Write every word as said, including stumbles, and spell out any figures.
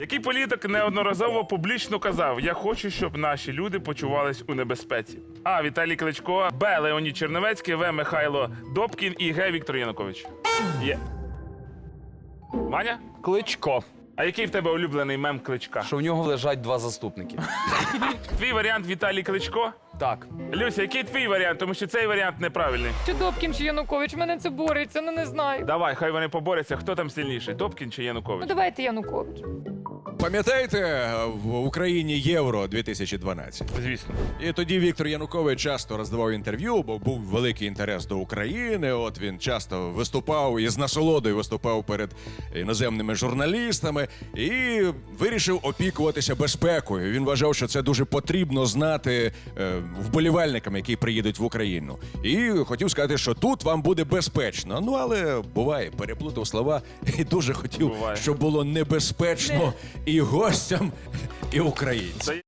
Який політик неодноразово публічно казав: «Я хочу, щоб наші люди почувались у небезпеці»? А. Віталій Кличко, Б. Леонід Черновецький, В. Михайло Добкін і Г. Віктор Янукович. Є. Маня? Кличко. А який в тебе улюблений мем Кличка? Що в нього лежать два заступники. Твій варіант Віталій Кличко? Так. Люся, який твій варіант? Тому що цей варіант неправильний. Чи Добкін, чи Янукович? Мене це бореться, ну не знаю. Давай, хай вони поборються. Хто там сильніший? Добкін чи Ну Янукович? давайте Янукович. Пам'ятаєте, в Україні Євро дві тисячі дванадцять? Звісно. І тоді Віктор Янукович часто роздавав інтерв'ю, бо був великий інтерес до України. От він часто виступав і з насолодою виступав перед іноземними журналістами і вирішив опікуватися безпекою. Він вважав, що це дуже потрібно знати е, вболівальникам, які приїдуть в Україну. І хотів сказати, що тут вам буде безпечно. Ну, але буває, переплутав слова і дуже хотів, Буває. щоб було небезпечно і гостям, і українцям.